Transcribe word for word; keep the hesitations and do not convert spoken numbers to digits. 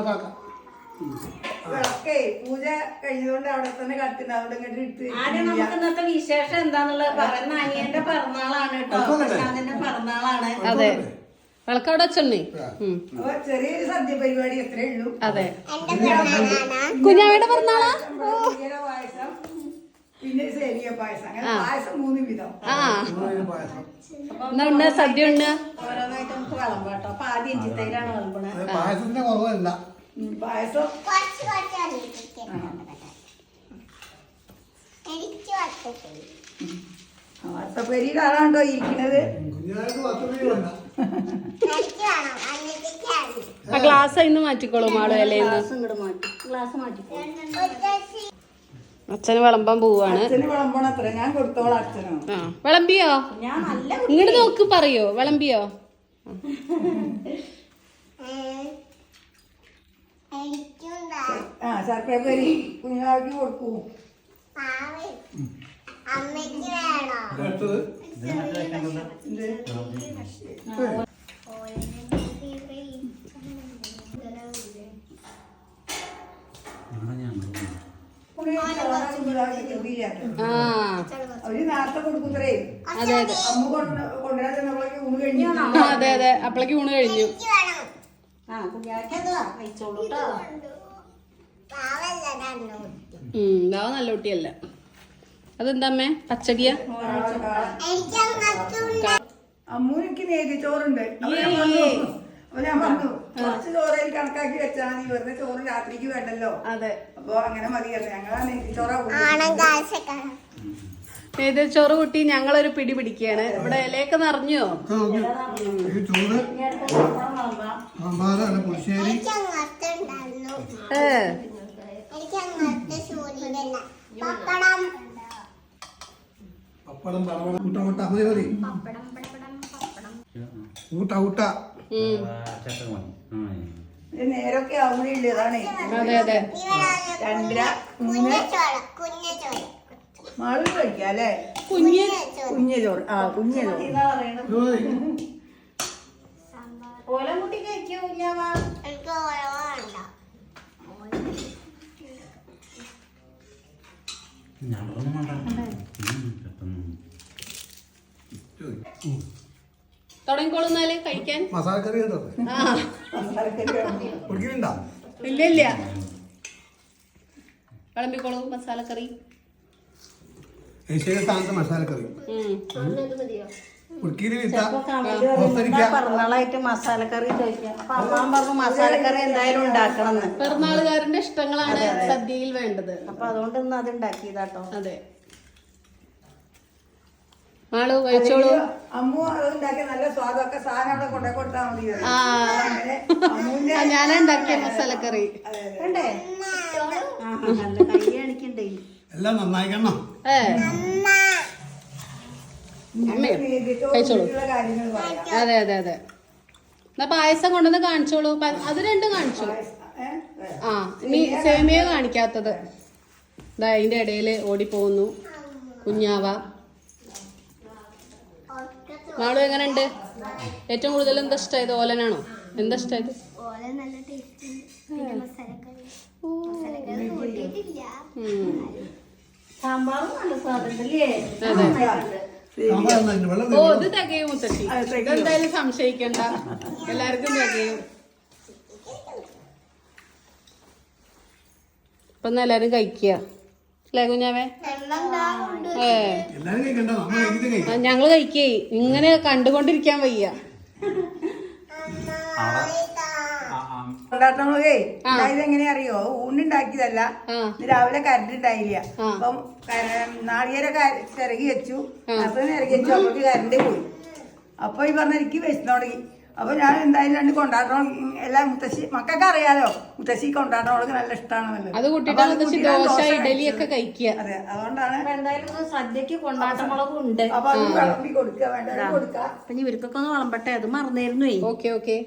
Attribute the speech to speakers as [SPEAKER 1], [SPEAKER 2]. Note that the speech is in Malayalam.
[SPEAKER 1] വിളക്കേ പൂജ കഴിഞ്ഞതുകൊണ്ട് അവിടെ തന്നെ കത്തിണ്ട് അവിടെ ഇങ്ങോട്ട് എടുത്ത്
[SPEAKER 2] ആദ്യം നമുക്ക് ഇന്നത്തെ വിശേഷം എന്താന്നുള്ളത് പറയുന്ന അനിയന്റെ പിറന്നാളാണ് കേട്ടോ. പ്രശാന്തിന്റെ പിറന്നാളാണ്.
[SPEAKER 3] അതെ, വിളക്കവിടെ വെച്ചോണ്ടേ.
[SPEAKER 1] അപ്പൊ ചെറിയൊരു സദ്യ പരിപാടി എത്രയേ ഉള്ളൂ.
[SPEAKER 3] അതെ, കുഞ്ഞാവയുടെ പിറന്നാളാ.
[SPEAKER 1] പായസം പിന്നെ സേമിയ പായസം, അങ്ങനെ പായസം മൂന്ന് വിധം.
[SPEAKER 3] ആ എന്നാ ഉണ്ട് സദ്യ ഉണ്ട്.
[SPEAKER 2] ഓരോന്നായിട്ട് നമുക്ക് വിളമ്പ് കേട്ടോ. അപ്പൊ ആദ്യം ഇഞ്ചിത്തൈലാണ് വിളമ്പണത്.
[SPEAKER 4] പായസത്തിന്റെ കുറവല്ല,
[SPEAKER 1] പായസം വട്ടപ്പേരിയിലാണോ ഇരിക്കുന്നത്?
[SPEAKER 3] ആ ഗ്ലാസ് ഇന്ന് മാറ്റിക്കോളൂ മാളു അല്ലേന്ന്.
[SPEAKER 2] ഇങ്ങോട്ട് മാറ്റി ഗ്ലാസ് മാറ്റിക്കോളൂ.
[SPEAKER 3] അച്ഛന് വിളമ്പാൻ പോവാണ്.
[SPEAKER 1] അച്ഛന് വിളമ്പണം അത്ര, ഞാൻ കൊടുത്തോളാം അച്ഛനോ.
[SPEAKER 3] ആ വിളമ്പിയോ?
[SPEAKER 2] ഞാൻ നല്ല
[SPEAKER 3] ഇങ്ങോട്ട് നോക്ക്, പറയോ വിളമ്പിയോ?
[SPEAKER 1] ആ ശർക്കര പൊരി കുഞ്ഞാക്കി കൊടുക്കൂ. അവര് നേരത്തെ കൊടുക്കൂത്രേ.
[SPEAKER 3] അതെ അതെ
[SPEAKER 1] അമ്മ കൊണ്ടുവരാൻ ചെന്നപ്പോഴേക്ക് ഊണ് കഴിഞ്ഞു.
[SPEAKER 3] അതെ അതെ അപ്പളേക്ക് ഊണ് കഴിഞ്ഞു.
[SPEAKER 2] ആ കുഞ്ഞാക്കതാ കഴിച്ചോളൂ കേട്ടോ.
[SPEAKER 3] ഉം ബാവ നല്ല കുട്ടിയല്ല. അതെന്താ അമ്മേ പച്ചടിയ?
[SPEAKER 1] അമ്മൂനിക്ക് നേതിച്ചോറുണ്ട്. അപ്പൊ ഞാൻ പറഞ്ഞു അപ്പൊ ഞാൻ പറഞ്ഞു കുറച്ച് ചോറയിൽ കണക്കാക്കി വെച്ചാൽ നീ വെറുതെ ചോറ് രാത്രിക്ക് വേണ്ടല്ലോ.
[SPEAKER 3] അതെ,
[SPEAKER 1] അപ്പൊ അങ്ങനെ മതിയല്ലോ. ഞങ്ങളാ നെയ്ച്ചോറാ.
[SPEAKER 3] നെയ്തച്ചോറ് കൂട്ടി ഞങ്ങളൊരു പിടി പിടിക്കുകയാണ്. ഇവിടെ ഇലയൊക്കെ നിറഞ്ഞോ?
[SPEAKER 4] പുളിശ്ശേരി
[SPEAKER 3] ഏ
[SPEAKER 4] പപ്പടം കൂട്ട കൂട്ട മതി മതി കൂട്ട കൂട്ട
[SPEAKER 1] നേരൊക്കെ ആവുന്നേ ഉള്ളു. അതാണ്
[SPEAKER 3] അതെ അതെ
[SPEAKER 1] രണ്ടര മൂന്ന് മാള് കഴിക്കാം അല്ലേ?
[SPEAKER 3] കുഞ്ഞ്
[SPEAKER 1] കുഞ്ഞ ചോറ്. ആ കുഞ്ഞ ചോറ്.
[SPEAKER 2] ഓലം കുട്ടി കഴിക്കോ കുഞ്ഞാവാ?
[SPEAKER 3] തുടങ്ങിക്കോളുന്നാല് കഴിക്കാൻ.
[SPEAKER 4] മസാലക്കറി ഉണ്ടോ?
[SPEAKER 3] ആ
[SPEAKER 4] കുടിക്കുന്നുണ്ടോ?
[SPEAKER 3] ഇല്ല ഇല്ല വിളമ്പിക്കോളൂ മസാലക്കറി.
[SPEAKER 4] ഏഷ്യയുടെ സ്ഥാനത്ത് മസാലക്കറി കുടുക്കിയില് വിത്ത
[SPEAKER 2] പിറന്നാളായിട്ട് മസാലക്കറി ചോദിക്കാം. അപ്പൊ അമ്മാൻ പറഞ്ഞു മസാലക്കറി എന്തായാലും ഉണ്ടാക്കണം.
[SPEAKER 3] പിറന്നാളുകാരന്റെ ഇഷ്ടങ്ങളാണ് സദ്യയിൽ വേണ്ടത്.
[SPEAKER 2] അപ്പൊ അതുകൊണ്ട് ഇന്ന് അത് ഉണ്ടാക്കിയതാട്ടോ.
[SPEAKER 3] അതെ ആള് കഴിച്ചോളൂ.
[SPEAKER 1] അമ്മു അത് ഉണ്ടാക്കിയ നല്ല സ്വാദൊക്കെ സാധനം അവിടെ കൊണ്ടേ കൊടുത്താൽ മതി.
[SPEAKER 3] ആ ഞാനാ ഉണ്ടാക്കിയ മസാലക്കറി.
[SPEAKER 2] കണ്ടേ നല്ല കൈ കാണിക്കണ്ടേ.
[SPEAKER 4] എല്ലാം നന്നായിക്കണം.
[SPEAKER 3] ഏ കഴിച്ചോളൂ.
[SPEAKER 1] കാര്യങ്ങൾ പറയാം.
[SPEAKER 3] അതെ അതെ അതെ എന്നാ പായസം കൊണ്ടുവന്ന് കാണിച്ചോളൂ. അത് രണ്ടും കാണിച്ചു. ആ ഇനി സേമിയ കാണിക്കാത്തത് ഇതാ അതിന്റെ ഇടയിൽ ഓടിപ്പോകുന്നു കുഞ്ഞാവ. മാളു എങ്ങനെയുണ്ട്? ഏറ്റവും കൂടുതൽ എന്താ ഇഷ്ടമായത്? ഓലനാണോ? എന്താ ഇഷ്ടമായത്?
[SPEAKER 2] സാമ്പാറും നല്ല സ്വാദുണ്ടല്ലേ?
[SPEAKER 3] ഓ ഇത് തികയും മുത്തശ്ശി. ഇതെന്തായാലും സംശയിക്കണ്ട, എല്ലാവർക്കും തികയും. ഇപ്പൊ എല്ലാരും കഴിക്കുക അല്ലേ കുഞ്ഞാവേ? ഏ ഞങ്ങള് കഴിക്കേ. ഇങ്ങനെ കണ്ടുകൊണ്ടിരിക്കാൻ വയ്യ.
[SPEAKER 1] കൊണ്ടാട്ടങ്ങളേ ഇതായത് എങ്ങനെയാ അറിയോ? ഊണുണ്ടാക്കിയതല്ല, രാവിലെ കരണ്ട് ഉണ്ടായില്ല. അപ്പം നാളികേരൊക്കെ ചിരകി വെച്ചു, അപ്പൊ ചിരകി വെച്ചു. അപ്പോഴേക്ക് കരണ്ട് പോയി. അപ്പൊ ഈ പറഞ്ഞ എനിക്ക് വിശന്ന് തുടങ്ങി. അപ്പൊ ഞാൻ എന്തായാലും രണ്ട് കൊണ്ടാട്ടം എല്ലാം മുത്തശ്ശി മക്കൾക്ക് അറിയാലോ, മുത്തശ്ശി കൊണ്ടാട്ടങ്ങളൊക്കെ നല്ല ഇഷ്ടമാണല്ലോ.
[SPEAKER 3] അത് കൂട്ടിട്ട് ദോശ ഇഡലി ഒക്കെ കഴിക്കുക.
[SPEAKER 1] അതെ, അതുകൊണ്ടാണ്
[SPEAKER 2] എന്തായാലും സദ്യക്ക് കൊണ്ടാട്ടമുളകും ഉണ്ട്.
[SPEAKER 1] അപ്പൊ അത് വിളമ്പി കൊടുക്കുക, വേണ്ട കൊടുക്കുക.
[SPEAKER 2] അപ്പൊ ഇവർക്കൊക്കെ ഒന്ന് വിളമ്പട്ടെ, അത് മറന്നിരുന്നു.
[SPEAKER 3] Okay okay.